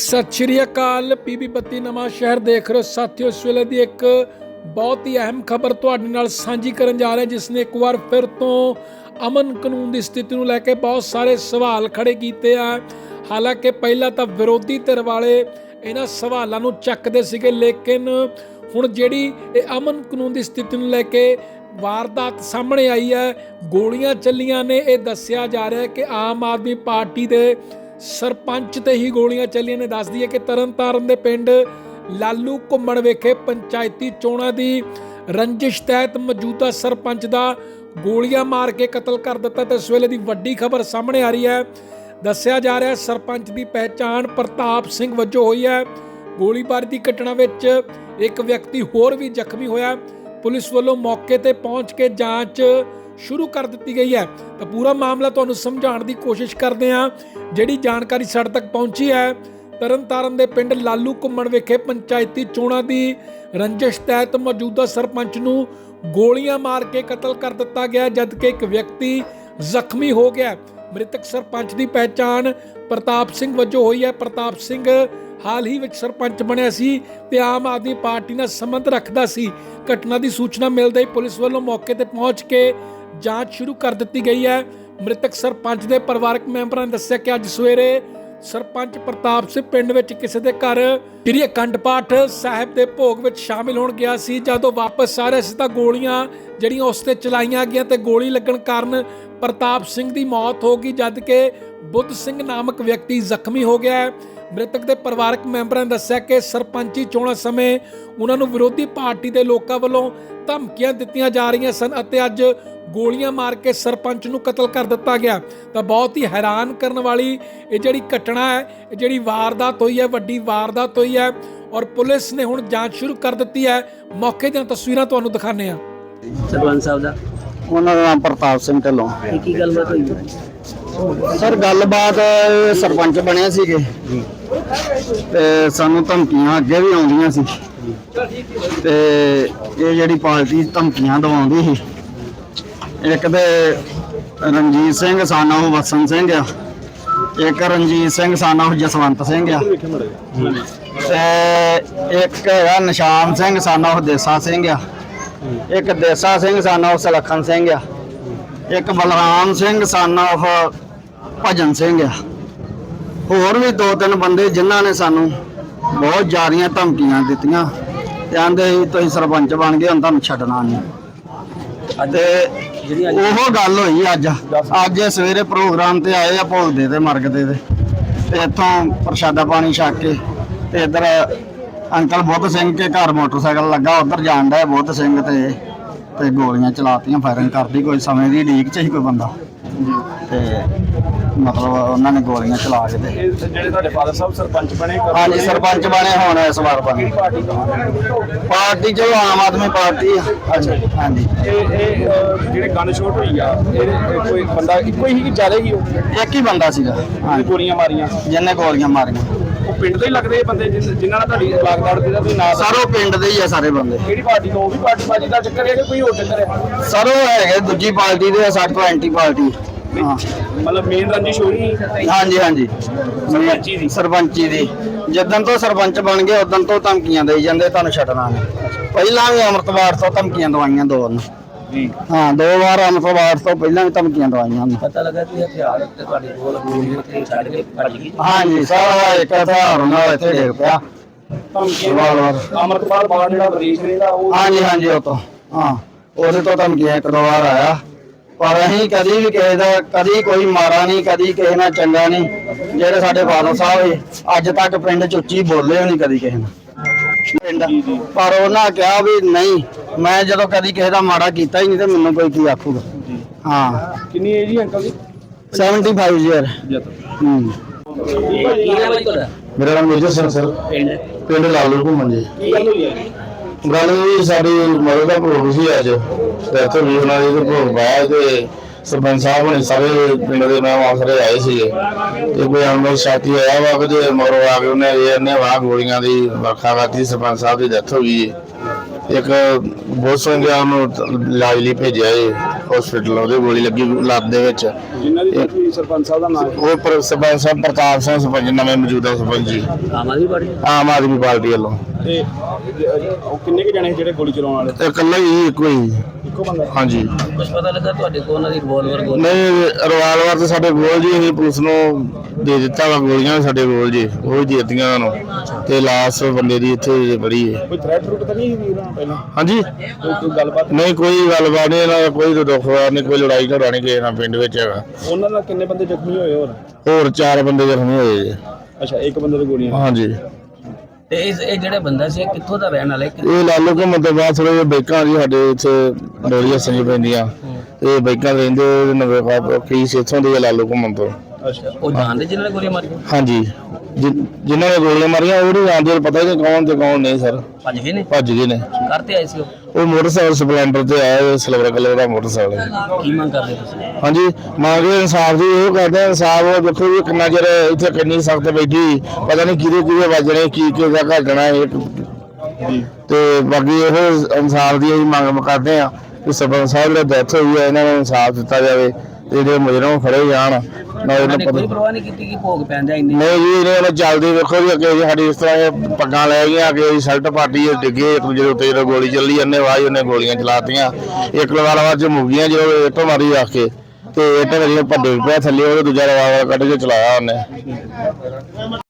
सत श्री अकाल। पीबी 32 नवां शहर देख रहे हो साथियों। इस वेले दी एक बहुत ही अहम खबर तुहाडे नाल सांझी करन जा रहे हैं, जिसने एक बार फिर तो अमन कानून की स्थिति को लैके बहुत सारे सवाल खड़े किए हैं। हालांकि पहला तो विरोधी धिर वाले इन्हां सवालों को चकते सीगे, लेकिन हुण जिहड़ी अमन कानून की स्थिति को लैके वारदात सामने आई है, गोलियां चलियां ने, यह दस्सिया जा रहा है कि आम आदमी पार्टी के सरपंच ते ही गोलियां चलियां ने। दस दी है कि तरनतारन दे पिंड लालू घुम्मण वेखे पंचायती चोणां दी रंजिश तहत मौजूदा सरपंच दा गोलियां मार के कतल कर दिता। तो इस वेले दी वड्डी खबर सामने आ रही है। दस्सिया जा रहा है सरपंच की पहचान प्रताप सिंह वजों हुई है। गोलीबारी की घटना विच एक व्यक्ति होर भी जख्मी होया। पुलिस वालों मौके ते पहुंच के जांच शुरू कर दी गई है। तो पूरा मामला तुहानूं समझाउण की कोशिश करते हैं। जिहड़ी जानकारी साडे तक पहुंची है, तरनतारन दे पिंड लालू घुम्मण विखे पंचायती चोणां दी रंजिश तहत मौजूदा सरपंच नूं गोलियां मार के कतल कर दिता गया, जबकि एक व्यक्ति जख्मी हो गया। मृतक सरपंच की पहचान प्रताप सिंह वजों हुई है। प्रताप सिंह हाल ही विच सरपंच बनिया सी ते आम आदमी पार्टी नाल संबंध रखदा सी। घटना की सूचना मिलते ही पुलिस वालों मौके ते पहुंच के जांच शुरू कर दी गई है। मृतक सरपंच के परिवारक मैंबरों ने दस्सिया कि अज सवेरे सरपंच प्रताप सिंह पिंड विच किसी के घर श्री अखंड पाठ साहिब के भोग विच शामिल होण गया सी। जदों वापस आ रहे सी तां गोलियां जिहड़ियां उस ते चलाईयां गईयां ते गोली लगन कारण प्रताप सिंह की मौत हो गई, जबकि बुद्ध सिंह नामक व्यक्ति जख्मी हो गया है। मृतक के परिवारक मैंबरों ने दस्सिया कि सरपंची चोणां समय उन्होंने विरोधी पार्टी के लोगों वालों धमकियां दित्तियां जा रही सन अते अज गोलियां मार के सरपंच नूं कतल कर दिता गया। तो बहुत ही हैरान करने वाली ये जिहड़ी घटना है, ये जिहड़ी वारदात हुई है, वड्डी वारदात हुई है और पुलिस ने हुण जांच शुरू कर दी है। मौके दी तस्वीरां तुहानूं दिखाने आ। सरपंच साहब दा ਉਹਨਾਂ ਦਾ ਨਾਮ ਪ੍ਰਤਾਪ ਸਿੰਘ ਢਿੱਲੋਂ। की गलबात हुई ਸਰ ਗੱਲਬਾਤ ਸਰਪੰਚ ਬਣੇ ਸੀਗੇ ਤੇ ਸਾਨੂੰ ਧਮਕੀਆਂ ਅੱਗੇ ਵੀ ਆਉਂਦੀਆਂ ਸੀ ਤੇ ਇਹ ਜਿਹੜੀ ਪਾਰਟੀ ਧਮਕੀਆਂ ਦਵਾਉਂਦੀ ਸੀ, ਇੱਕ ਤੇ ਰਣਜੀਤ ਸਿੰਘ ਸਾਨਾ ਉਹ ਵਸਨ ਸਿੰਘ ਆ, ਇੱਕ ਰਣਜੀਤ ਸਿੰਘ ਸਾਨਾ ਉਹ ਜਸਵੰਤ ਸਿੰਘ ਆ ਤੇ ਇੱਕ ਹੈਗਾ ਨਿਸ਼ਾਨ ਸਿੰਘ ਸਾਨਾ ਉਹ ਦੇਸਾ ਸਿੰਘ ਆ, ਇੱਕ ਦੇਸਾ ਸਿੰਘ ਸਾਨਾ ਉਹ ਸਲੱਖਣ ਸਿੰਘ ਆ, ਇੱਕ ਬਲਰਾਮ ਸਿੰਘ ਸਾਨਾ ਉਹ ਭਜਨ ਸਿੰਘ ਆ। ਹੋਰ ਵੀ ਦੋ ਤਿੰਨ ਬੰਦੇ ਜਿਨ੍ਹਾਂ ਨੇ ਸਾਨੂੰ ਬਹੁਤ ਜ਼ਿਆਦੀਆਂ ਧਮਕੀਆਂ ਦਿੱਤੀਆਂ ਤੇ ਆਂਦੇ ਸੀ ਤੁਸੀਂ ਸਰਪੰਚ ਬਣ ਗਏ ਹੁਣ ਤੁਹਾਨੂੰ ਛੱਡਣਾ ਨਹੀਂ। ਤੇ ਉਹ ਗੱਲ ਹੋਈ ਅੱਜ ਸਵੇਰੇ ਪ੍ਰੋਗਰਾਮ ਤੇ ਆਏ ਆ ਭੋਗਦੇ ਤੇ ਮਰਗਦੇ ਤੇ ਇੱਥੋਂ ਪ੍ਰਸ਼ਾਦਾ ਪਾਣੀ ਛਕ ਕੇ ਤੇ ਇੱਧਰ ਅੰਕਲ ਬੁੱਧ ਸਿੰਘ ਕੇ ਘਰ ਮੋਟਰਸਾਈਕਲ ਲੱਗਾ, ਉੱਧਰ ਜਾਣ ਡਿਆ ਬੁੱਧ ਸਿੰਘ ਤੇ ਗੋਲੀਆਂ ਚਲਾਤੀਆਂ, ਫਾਇਰਿੰਗ ਕਰਦੀ। ਕੋਈ ਸਮੇਂ ਦੀ ਉਡੀਕ 'ਚ ਹੀ ਕੋਈ ਬੰਦਾ ਤੇ ਮਤਲਬ ਉਹਨਾਂ ਨੇ ਗੋਲੀਆਂ ਚਲਾ ਕੇ ਤੇ ਜਿਹੜੇ ਤੁਹਾਡੇ ਫਾਦਰ ਸਾਹਿਬ ਸਰਪੰਚ ਬਣੇ, ਹਾਂਜੀ ਸਰਪੰਚ ਬਣੇ ਹੁਣ ਇਸ ਵਾਰ ਬਣੇ। ਪਾਰਟੀ ਚਲੋ ਆਮ ਆਦਮੀ ਪਾਰਟੀ ਆ। ਅੱਛਾ ਜੀ। ਹਾਂਜੀ ਇਹ ਜਿਹੜੇ ਗਨ ਸ਼ੋਟ ਹੋਈ ਆ, ਇਹ ਕੋਈ ਬੰਦਾ ਇੱਕੋ ਹੀ ਕਿ ਜ਼ਿਆਦਾ ਹੀ ਉਹ ਇੱਕ ਹੀ ਬੰਦਾ ਸੀਗਾ ਹਾਂਜੀ ਗੋਲੀਆਂ ਮਾਰੀਆਂ, ਜਿਹਨੇ ਗੋਲੀਆਂ ਮਾਰੀਆਂ। ਉਹ ਪਿੰਡ ਦੇ ਹੀ ਲੱਗਦੇ ਇਹ ਬੰਦੇ ਜਿਨ੍ਹਾਂ ਨਾਲ ਤੁਹਾਡੀ ਲਾਗਦਾੜ ਦੇ ਦਾ ਤੁਸੀਂ ਨਾਂ ਸਰ ਉਹ ਪਿੰਡ ਦੇ ਹੀ ਆ ਸਾਰੇ ਬੰਦੇ। ਕਿਹੜੀ ਪਾਰਟੀ ਤੋਂ? ਉਹ ਵੀ ਪਾਰਟੀ ਬਾਜੀ ਦਾ ਚੱਕਰ ਹੈ ਕਿ ਕੋਈ ਹੋਰ ਚੱਕਰ ਹੈ? ਸਰ ਉਹ ਹੈਗੇ ਦੂਜੀ ਪਾਰਟੀ ਦੇ, ਸਾਡੇ ਤੋਂ ਐਂਟੀ ਪਾਰਟੀ। ਹਾਂ ਮਤਲਬ ਮੇਨ ਰੰਜਿਸ਼ ਹੋਈ ਹਾਂਜੀ ਸਰਪੰਚੀ ਦੀ। ਸਰਪੰਚੀ ਦੀ ਜਿੱਦਣ ਤੋਂ ਸਰਪੰਚ ਬਣ ਗਏ ਉਦੋਂ ਤੋਂ ਧਮਕੀਆਂ ਦੇਈ ਜਾਂਦੇ ਤੁਹਾਨੂੰ ਛੱਡਣਾ ਨਹੀਂ। ਪਹਿਲਾਂ ਵੀ ਅੰਮ੍ਰਿਤਵਾਰ ਤੋਂ ਧਮਕੀਆਂ ਦਵਾਈਆਂ ਦੋ ਵਾਰ ਜੀ। ਹਾਂ 2 ਵਾਰ ਅੰਮ੍ਰਿਤਵਾਰ ਤੋਂ ਪਹਿਲਾਂ ਵੀ ਧਮਕੀਆਂ ਦਵਾਈਆਂ ਉਹਨੂੰ। पता लगा कि हथियार ते ਤੁਹਾਡੇ ਕੋਲ ਗੋਲੀਆਂ ਤੇ ਛੱਡ ਕੇ ਭੱਜ ਗਈ। ਹਾਂਜੀ ਸਾਰਾ ਇੱਕ ਹਥਿਆਰ ਨਾਲ ਇੱਥੇ ਡਿੱਗ ਪਿਆ। ਧਮਕੀਆਂ ਵਾਰ ਅੰਮ੍ਰਿਤਪਾਲ ਬਾਦ ਜਿਹੜਾ ਵਿਦੇਸ਼ ਰਹਿੰਦਾ ਉਹ ਹਾਂਜੀ ਉਹ ਤੋਂ ਹਾਂ ਉਹਦੇ ਤੋਂ ਧਮਕੀਆਂ ਇੱਕ ਦੋ ਵਾਰ ਆਇਆ, ਪਰ ਅਸੀਂ ਕਦੀ ਵੀ ਕਿਸੇ ਦਾ ਕਦੀ ਕੋਈ ਮਾਰਾ ਨਹੀਂ, ਕਦੀ ਕਿਸੇ ਨਾਲ ਚੰਗਾ ਨਹੀਂ। ਜਿਹੜੇ ਸਾਡੇ ਫਾਦਰ ਸਾਹਿਬ ਅੱਜ ਤੱਕ ਪਿੰਡ 'ਚ ਉੱਚੀ ਬੋਲੇ ਨਹੀਂ ਕਦੀ ਕਿਸੇ ਨਾਲ ਪਿੰਡ, ਪਰ ਉਹਨਾਂ ਕਿਹਾ ਵੀ ਨਹੀਂ, ਮੈਂ ਜਦੋਂ ਕਦੀ ਕਿਸੇ ਦਾ ਮਾੜਾ ਕੀਤਾ ਹੀ ਨਹੀਂ ਤੇ ਮੈਨੂੰ ਕੋਈ ਕੀ ਆਖੂਗਾ। ਹਾਂ ਕਿੰਨੀ ਏਜ ਹੀ ਅੰਕਲ ਦੀ? 75 ਈਅਰ। ਕੀ ਨਾਮ ਹੈ ਤੁਹਾਡਾ? ਮੇਰਾ ਨਾਮ ਮੇਜਰ ਸਿੰਘ ਸਰ, ਪਿੰਡ ਲਾਲੂ ਘੁੰਮਣ ਜੀ। ਕੀ ਗੱਲ ਹੋਈ ਹੈ? ਗੱਲ ਵੀ ਸਾਡੀ ਮਦਦ ਦਾ ਭੋਗ ਸੀ ਅੱਜ, ਤੇ ਇੱਥੇ ਵੀ ਉਹਨਾਂ ਦੇ ਭੋਗ ਪਾਇਆ ਤੇ ਸਰਪੰਚ ਸਾਹਿਬ ਨੇ ਸਾਰੇ ਪਿੰਡ ਦੇ ਨਾਮ ਆਸਰੇ ਆਏ ਸੀਗੇ ਤੇ ਕੋਈ ਅਨਮੋਲ ਸਾਥੀ ਆਇਆ ਵਾ ਕਿ ਮਗਰੋਂ ਆ ਕੇ ਉਹਨੇ ਵਾਹ ਗੋਲੀਆਂ ਦੀ ਵਰਖਾ ਕਰਤੀ। ਸਰਪੰਚ ਸਾਹਿਬ ਦੀ ਡੈਥ ਹੋ ਗਈ। ਇੱਕ ਬਹੁਤ ਸੰਗਿਆ ਨੂੰ ਇਲਾਜ ਲਈ ਭੇਜਿਆ ਜੀ। ਹਸਪੀਟਲ ਉਹਦੇ ਗੋਲੀ ਲੱਗੀ ਲੱਤ ਦੇ ਵਿੱਚ। ਜਿਨ੍ਹਾਂ ਦੀ death ਹੋਈ ਸਰਪੰਚ ਸਾਹਿਬ ਦਾ ਨਾਮ ਉਹ ਸਰਪੰਚ ਸਾਹਿਬ ਪ੍ਰਤਾਪ ਸਿੰਘ ਸਰਪੰਚ ਨਵੇਂ ਮੌਜੂਦਾ ਸਰਪੰਚ ਜੀ, ਆਮ ਆਦਮੀ ਪਾਰਟੀ। ਆਮ ਆਦਮੀ ਪਾਰਟੀ ਵੱਲੋਂ। ਤੇ ਉਹ ਕਿੰਨੇ ਕੁ ਜਣੇ ਜਿਹੜੇ ਗੋਲੀ ਚਲਾਉਣ ਵਾਲੇ? ਤੇ ਇਕੱਲਾ ਹੀ ਇੱਕੋ ਹੀ। ਇੱਕੋ ਬੰਦਾ? ਹਾਂਜੀ। ਕੁਝ ਪਤਾ ਲੱਗਾ ਤੁਹਾਡੇ ਕੋਲ ਉਹਨਾਂ ਦੀ ਰਿਵਾਲਵਰ ਗੋਲੀ? ਨਹੀਂ ਰਿਵਾਲਵਰ ਤੇ ਸਾਡੇ ਕੋਲ ਜੀ, ਅਸੀਂ ਪੁਲਿਸ ਨੂੰ ਦੇ ਦਿੱਤਾ ਵਾ, ਗੋਲੀਆਂ ਵੀ ਸਾਡੇ ਕੋਲ ਜੀ, ਉਹ ਹੀ ਦੇ ਦਿੱਤੀਆਂ ਉਹਨਾਂ ਨੂੰ। ਤੇ ਲਾਸ਼ ਬੰਦੇ ਦੀ ਇੱਥੇ ਬੜੀ ਹੈ। ਕੋਈ ਥ੍ਰੈਟ ਰੂਟ ਤਾਂ ਨਹੀਂ ਸੀ ਉਹਨਾਂ ਪਹਿਲਾਂ? ਹਾਂਜੀ ਕੋਈ ਗੱਲਬਾਤ? ਨਹੀਂ ਕੋਈ ਗੱਲਬਾਤ ਨਹੀਂ, ਇਹਨਾਂ ਦਾ ਕੋਈ ਦੁੱਖ ਨਹੀਂ, ਕੋਈ ਲੜਾਈ ਝਗੜਾ ਨਹੀਂ ਕਿਸੇ ਨਾਲ ਪਿੰਡ ਵਿੱਚ ਹੈਗਾ। ਉਹਨਾਂ ਨਾਲ ਕਿੰਨੇ ਬੰਦੇ ਜ਼ਖਮੀ ਹੋਏ? ਹੋਰ 4 ਬੰਦੇ ਜ਼ਖਮੀ ਹੋਏ ਜੀ। ਅੱਛਾ, ਇੱਕ ਬੰਦੇ ਦੇ ਗੋਲੀਆਂ? ਹਾਂਜੀ। ਤੇ ਇਹ ਜਿਹੜਾ ਬੰਦਾ ਸੀ ਕਿੱਥੋਂ ਦਾ ਰਹਿਣ ਵਾਲਾ ਹੈ? ਇਹ ਲਾਲੂ ਘੁੰਮਣ ਤੋਂ ਬਾਅਦ ਥੋੜੇ ਜਿਹੇ ਬਾਈਕਾਂ ਜੀ ਸਾਡੇ ਇੱਥੇ ਡੋਲੀਆਂ ਸੰਜੀ ਪੈਂਦੀਆਂ, ਇਹ ਬਾਈਕਾਂ ਰਹਿੰਦੇ ਨਵੇਂ ਕੇਸ ਇੱਥੋਂ ਦੇ ਲਾਲੂ ਘੁੰਮਣ ਤੋਂ। ਅੱਛਾ, ਉਹ ਜਾਣਦੇ ਜਿਹਨਾਂ ਨੇ ਗੋਲੀਆਂ ਮਾਰੀਆਂ? ਹਾਂਜੀ, ਜਿਨ੍ਹਾਂ ਨੇ ਗੋਲੀਆਂ ਮਾਰੀਆਂ ਉਹ ਨਹੀਂ ਜਾਣਦੇ, ਪਤਾ ਨਹੀਂ ਕੌਣ ਤੇ ਕੌਣ ਨਹੀਂ ਸਰ। ਭੱਜ ਗਏ ਨੇ? ਭੱਜ ਗਏ ਨੇ। ਕਰਤੇ ਆਏ ਸੀ ਉਹ ਮੋਟਰਸਾਈਕਲ ਸਪਲੈਂਡਰ ਤੇ ਆਇਆ, ਸਿਲਵਰ ਕਲਰ ਦਾ ਮੋਟਰਸਾਈਕਲ ਹੈ। ਕੀ ਮੰਗ ਕਰਦੇ ਤੁਸੀਂ? ਹਾਂਜੀ, ਮੰਗਦੇ ਇਨਸਾਫ ਦੀ, ਉਹ ਕਰਦੇ ਇਨਸਾਫ। ਉਹ ਦੇਖੋ ਵੀ ਕਿੰਨਾ ਚਿਰ ਇੱਥੇ ਕਿੰਨੀ ਸਖਤ ਬੈਠੀ, ਪਤਾ ਨਹੀਂ ਕਿਹਦੇ ਵੱਜਣੇ, ਕੀ ਦਾ ਘਟਣਾ ਇੱਕ। ਤੇ ਬਾਕੀ ਇਹ ਇਨਸਾਫ ਦੀ ਅਸੀਂ ਮੰਗ ਕਰਦੇ ਆ ਕਿ ਸਰਪੰਚ ਸਾਹਿਬ ਦੀ ਡੈਥ ਹੋਈ ਹੈ, ਇਹਨਾਂ ਨੂੰ ਇਨਸਾਫ ਦਿੱਤਾ ਜਾਵੇ ਤੇ ਜਿਹੜੇ ਮੁਜਰਮ ਫੜੇ ਜਾਣ। ਕੋਈ ਪਰਵਾਹ ਨਹੀਂ ਕੀਤੀ ਕਿ ਭੋਗ ਪੈਂਦਾ ਇੰਨੇ? ਨਹੀਂ ਜੀ, ਇਹਨੇ ਚੱਲਦੀ ਵੇਖੋ ਜੀ, ਅੱਗੇ ਸਾਡੀ ਇਸ ਤਰ੍ਹਾਂ ਇਹ ਪੱਗਾਂ ਲੈ ਗਈਆਂ, ਅੱਗੇ ਸ਼ਰਟ ਪਾਟੀ ਡਿੱਗੇ ਇੱਕ ਦੂਜੇ ਦੇ ਉੱਤੇ, ਜਦੋਂ ਗੋਲੀ ਚੱਲੀ ਉਹਨੇ ਵਾਹ ਉਹਨੇ ਗੋਲੀਆਂ ਚਲਾਤੀਆਂ। ਇੱਕ ਲਵਾਲਾ ਚ ਮੁੱਗੀਆਂ, ਜਦੋਂ ਇੱਟ ਮਾਰੀ ਰੱਖ ਕੇ ਤੇ ਇੱਟ ਵਜੇ ਭੱਡੇ ਪਿਆ ਥੱਲੇ, ਉਹ ਦੂਜਾ ਲਵਾਲਾ ਕੱਢ ਕੇ ਚਲਾਇਆ ਉਹਨੇ।